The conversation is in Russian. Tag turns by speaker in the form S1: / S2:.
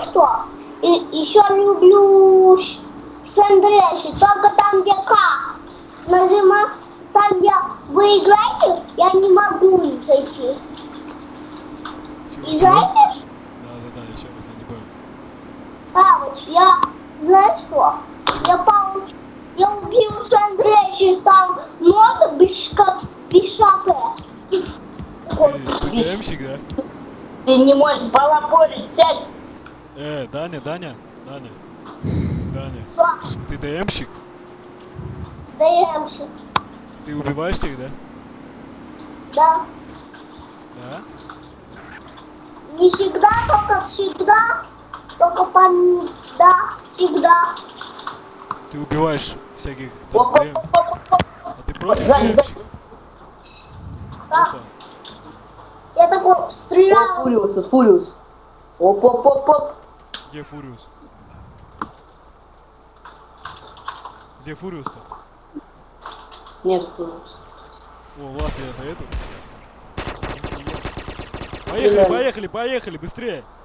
S1: знаешь что? Еще люблю Сэндрэши, только там, где К. Нажимаю, там, где вы играете, я не могу зайти. И знаете?
S2: Да, еще раз, я не понял.
S1: Павыч, я, знаешь что? Я убил Сэндрэши, там много без шапы.
S2: Ты ДМщик, да?
S3: Ты не можешь балаболить, сядь!
S2: Даня.
S1: Да,
S2: Ты ДМщик?
S1: даемся.
S2: Ты убиваешь всех, да?
S1: Да.
S2: Да?
S1: Не всегда, только всегда. Да, всегда.
S2: Ты убиваешь всяких там ДМ. А ты против
S3: Сзади,
S2: ДМщиков?
S1: Да.
S2: Опа.
S1: Я такой
S3: О,
S1: стрелял.
S3: Фуриус, тут Фуриус. Оп.
S2: Где Фуриус? Где Фуриус-то?
S3: Нет, Фуриус.
S2: О, вот я это.
S3: Стреляли.
S2: Поехали, быстрее!